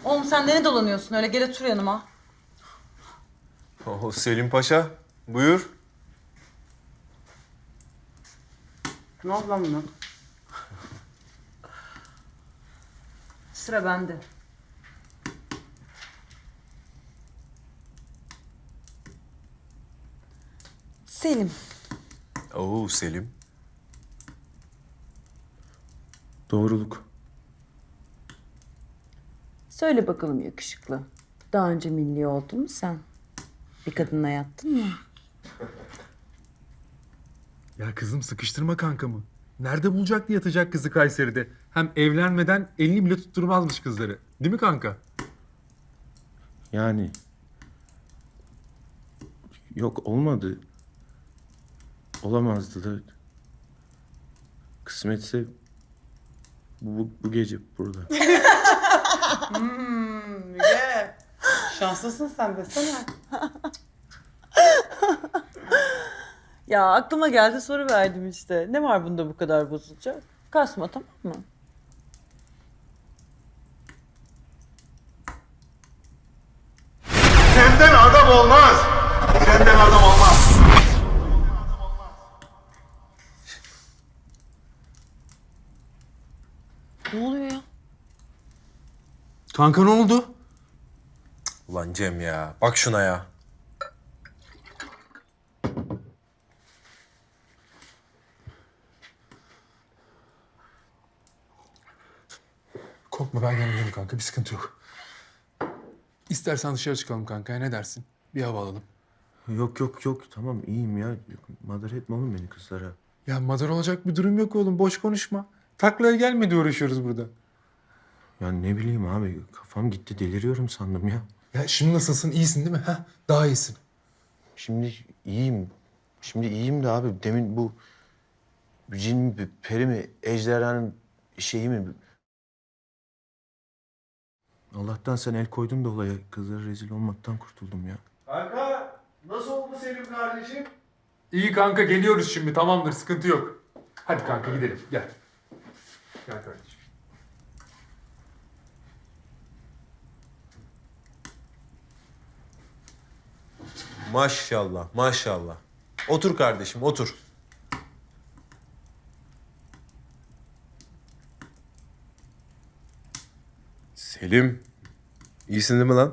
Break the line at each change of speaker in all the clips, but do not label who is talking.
Oğlum sen ne dolanıyorsun öyle? Gel otur yanıma.
Oh, Selim Paşa, buyur.
Ne oldu lan buna? Sıra bende. Selim.
Oo Selim.
Doğruluk.
Söyle bakalım yakışıklı. Daha önce milli oldun mu sen? Bir kadınla yattın mı?
Ya kızım sıkıştırma kankamı. Nerede bulacaktı yatacak kızı Kayseri'de? Hem evlenmeden elini bile tutturmazmış kızları. Değil mi kanka?
Yani yok olmadı. Olamazdı da. Kısmetse bu gece burada.
Müge. Şanslısın sen desene.
Ya aklıma geldi soru verdim işte. Ne var bunda bu kadar bozulacak? Kasma tamam mı?
Senden adam olmaz. Senden adam olmaz.
Ne oluyor ya?
Kanka ne oldu?
Ulan Cem ya, bak şuna ya.
Korkma ben yanındayım kanka bir sıkıntı yok. İstersen dışarı çıkalım kanka ne dersin? Bir hava alalım.
Yok tamam iyiyim ya. Madar etme oğlum beni kızlara.
Ya madar olacak bir durum yok oğlum boş konuşma. Taklaya gelmedi uğraşıyoruz burada.
Ya ne bileyim abi kafam gitti deliriyorum sandım ya.
Ya şimdi nasılsın iyisin değil mi? Ha? Daha iyisin.
Şimdi iyiyim. Şimdi iyiyim de abi demin bu cin mi, peri mi, ejderhanın şeyi mi? Allah'tan sen el koydun da olaya. Kızlara rezil olmaktan kurtuldum ya.
Kanka, nasıl oldu Selim kardeşim?
İyi kanka geliyoruz şimdi tamamdır sıkıntı yok. Hadi kanka gidelim gel. Gel kardeşim.
Maşallah, maşallah. Otur kardeşim, otur. Selim, iyisin değil mi lan?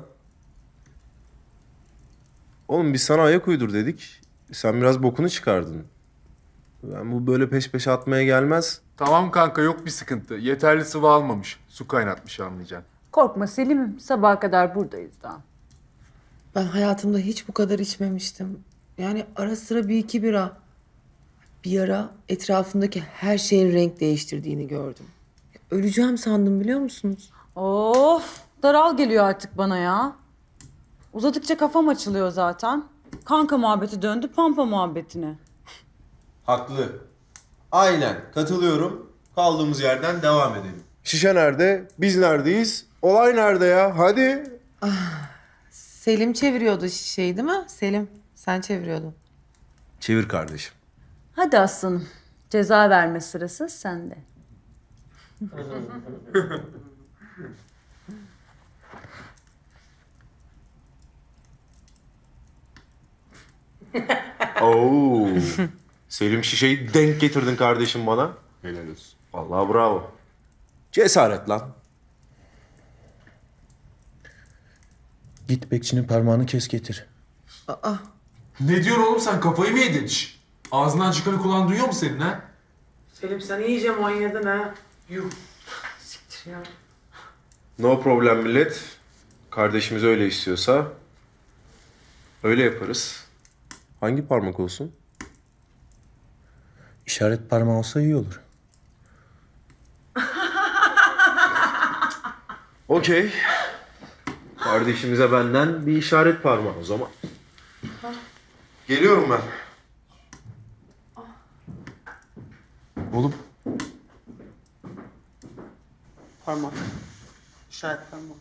Oğlum biz sana ayak uydur dedik. Sen biraz bokunu çıkardın. Ben bu böyle peş peşe atmaya gelmez.
Tamam kanka yok bir sıkıntı. Yeterli sıvı almamış. Su kaynatmış anlayacaksın.
Korkma Selim'im. Sabaha kadar buradayız daha.
Ben hayatımda hiç bu kadar içmemiştim. Yani ara sıra bir iki bira. Bir ara etrafımdaki her şeyin renk değiştirdiğini gördüm. Öleceğim sandım biliyor musunuz?
Of daral geliyor artık bana ya. Uzadıkça kafam açılıyor zaten. Kanka muhabbeti döndü pampa muhabbetine.
Haklı. Aynen, katılıyorum. Kaldığımız yerden devam edelim. Şişe nerede? Biz neredeyiz? Olay nerede ya? Hadi.
Selim çeviriyordu şişeyi değil mi? Selim sen çeviriyordun.
Çevir kardeşim.
Hadi aslanım. Ceza verme sırası sende.
Oo. Selim şişeyi denk getirdin kardeşim bana. Helal olsun. Vallahi bravo. Cesaret lan.
Git bekçinin parmağını kes getir.
Ne diyorsun oğlum sen kafayı mı yedin? Şş, ağzından çıkanı kulağın duyuyor mu senin ha?
Selim sen iyice manyadın ha. Yuh. Siktir ya.
No problem millet. Kardeşimiz öyle istiyorsa öyle yaparız. Hangi parmak olsun?
İşaret parmağı olsa iyi olur.
Okey. Kardeşimize benden bir işaret parmağı o zaman. Geliyorum ben.
Oğlum
Parmak. İşaret parmak.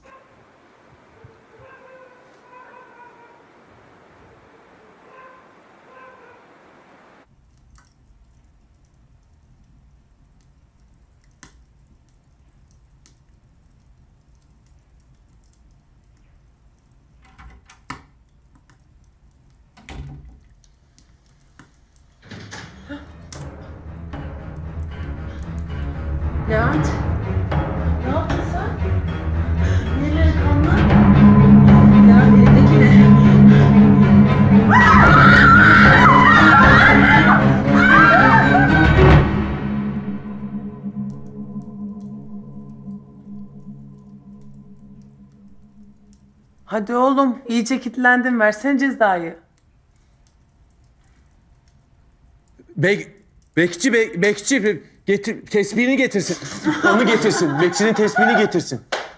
Levent. Ne yaptın sen? Neler kanlı? Levent elindeki ne? Hadi oğlum, iyice kilitlendin. Versene cezayı.
Bekçi getir, tesbihini getirsin. Onu getirsin. Bekçinin tesbihini getirsin.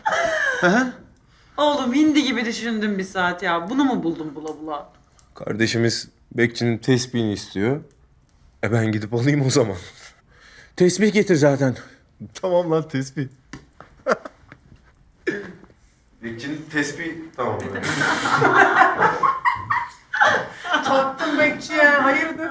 Oğlum hindi gibi düşündüm bir saat ya. Bunu mu buldun bula bula?
Kardeşimiz bekçinin tespihini istiyor. Ben gidip alayım o zaman.
Tesbih getir zaten.
Tamam lan tespih. Bekçinin tespihi tamam.
Taktın bekçiye, hayırdır?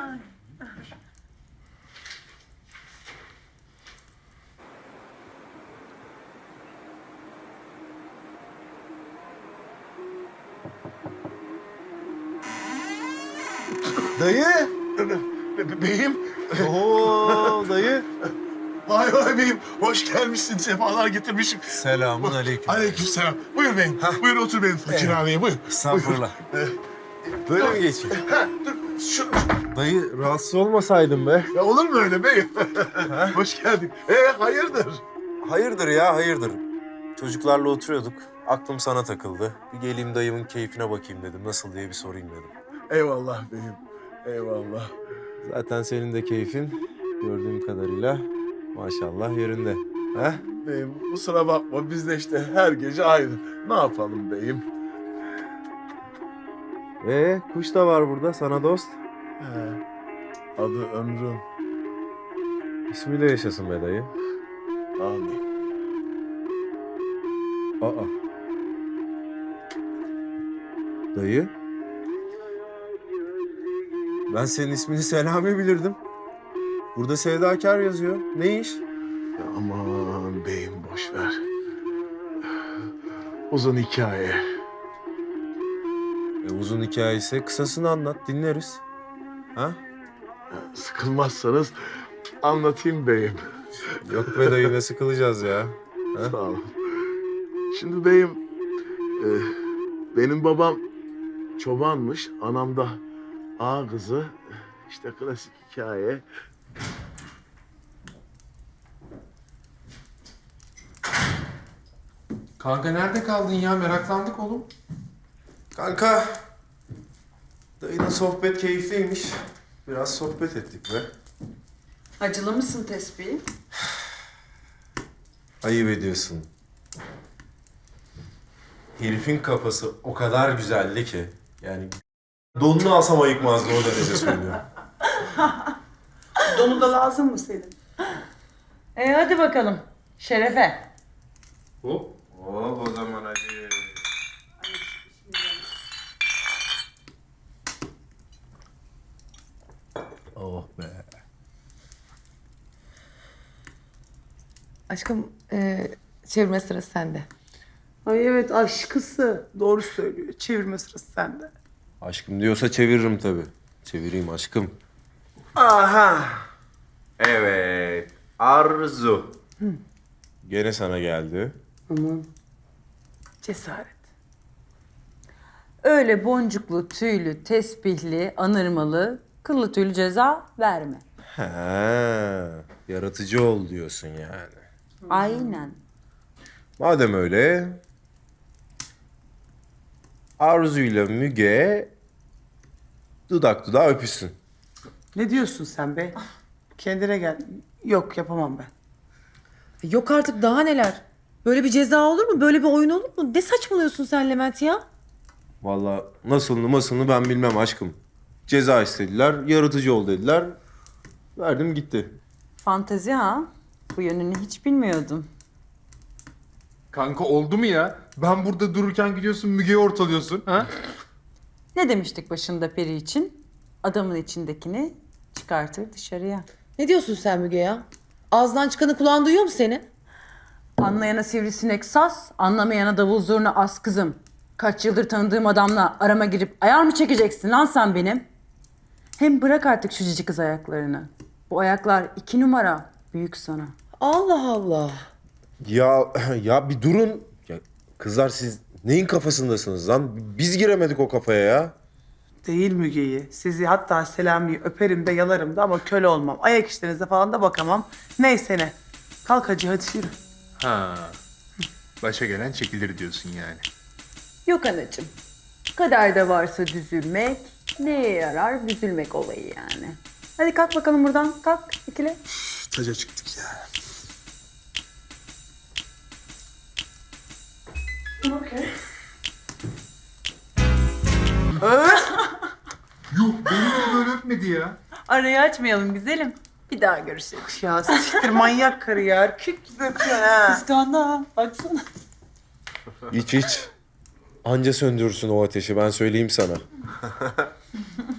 Dayı.
Beyim,
Oo dayı.
vay vay beyim. Hoş gelmişsin, sefalar getirmişim.
Selamun aleyküm.
Aleykümselam. Buyur beyim, buyur otur beyim. Fakir ağabey, buyur.
Estağfurullah. Böyle mi geçeyim?
Ha, dur,
Dayı rahatsız olmasaydın be.
ya olur mu öyle beyim? Hoş geldin. Hayırdır?
Hayırdır ya hayırdır. Çocuklarla oturuyorduk. Aklım sana takıldı. Bir geleyim dayımın keyfine bakayım dedim. Nasıl diye bir sorayım dedim.
Eyvallah beyim, eyvallah.
Zaten senin de keyfin gördüğüm kadarıyla maşallah yerinde. Ha?
Beyim kusura bakma, biz de işte her gece aynı. Ne yapalım beyim?
Kuş da var burada sana dost.
Adı Ömrüm.
İsmiyle yaşasın be dayı.
Amin.
Aa. Dayı. Ben senin ismini Selami bilirdim. Burada Sevdakar yazıyor. Ne iş?
Ya aman beyim boş ver. Uzun hikaye.
Uzun hikayesi kısasını anlat dinleriz. Ha?
Sıkılmazsanız anlatayım beyim.
Yok be dayı ne sıkılacağız ya. Ha?
Sağ olun. Şimdi beyim, benim babam çobanmış, anam da ağa kızı. İşte klasik hikaye.
Kanka nerede kaldın ya? Meraklandık oğlum.
Kanka. Dayının sohbet keyifliymiş. Biraz sohbet ettik be.
Acılı mısın tespihi?
Ayıp ediyorsun. Herifin kafası o kadar güzeldi ki. Yani donunu alsam ayıkmazdı o derece söylüyorum.
Donu da lazım mı senin?
Hadi bakalım. Şerefe.
Hop. Hop o zaman hadi.
Oh be.
Aşkım çevirme sırası sende.
Ay evet, aşkısı. Doğru söylüyor. Çevirme sırası sende.
Aşkım diyorsa çeviririm tabii. Çevireyim aşkım. Aha. Evet. Arzu. Gene sana geldi.
Aman. Cesaret.
Öyle boncuklu, tüylü, tesbihli, anırmalı, kıllı tüylü ceza verme.
He. Yaratıcı ol diyorsun yani.
Aynen.
Madem öyle... Arzu'yla Müge... dudak dudağa öpüşsün.
Ne diyorsun sen be? Kendine gel. Yok, yapamam ben.
Yok artık, daha neler. Böyle bir ceza olur mu? Böyle bir oyun olur mu? Ne saçmalıyorsun sen Levent ya?
Vallahi nasılını ben bilmem aşkım. Ceza istediler, yaratıcı ol dediler. Verdim gitti.
Fantezi ha? Bu yönünü hiç bilmiyordum.
Kanka oldu mu ya? Ben burada dururken gidiyorsun Müge'yi ortalıyorsun. Ha?
Ne demiştik başında peri için? Adamın içindekini çıkartır dışarıya.
Ne diyorsun sen Müge ya? Ağzından çıkanı kulağın duyuyor mu senin?
Anlayana sivrisinek saz, anlamayana davul zurna as kızım. Kaç yıldır tanıdığım adamla arama girip ayar mı çekeceksin lan sen benim? Hem bırak artık şu cici kız ayaklarını. Bu ayaklar 2 numara büyük sana.
Allah Allah.
Ya bir durun. Ya kızlar siz neyin kafasındasınız lan? Biz giremedik o kafaya ya.
Değil Müge'yi. Sizi hatta Selami'yi öperim de yalarım da ama köle olmam. Ayak işlerinize falan da bakamam. Neyse ne. Kalk hacı hadi yürü.
Ha. Başa gelen çekilir diyorsun yani.
Yok anacığım. Kaderde varsa düzülmek, neye yarar büzülmek olayı yani. Hadi kalk bakalım buradan. Kalk ikili.
Taca çıktık ya. Yuh beni de böyle öpmedi ya.
Arayı açmayalım güzelim. Bir daha görüşelim.
Ya siktir manyak karı ya. Erkek gibi öpüyorsun ha.
Kıskandı ha. Baksana.
İç iç. Anca söndürürsün o ateşi ben söyleyeyim sana.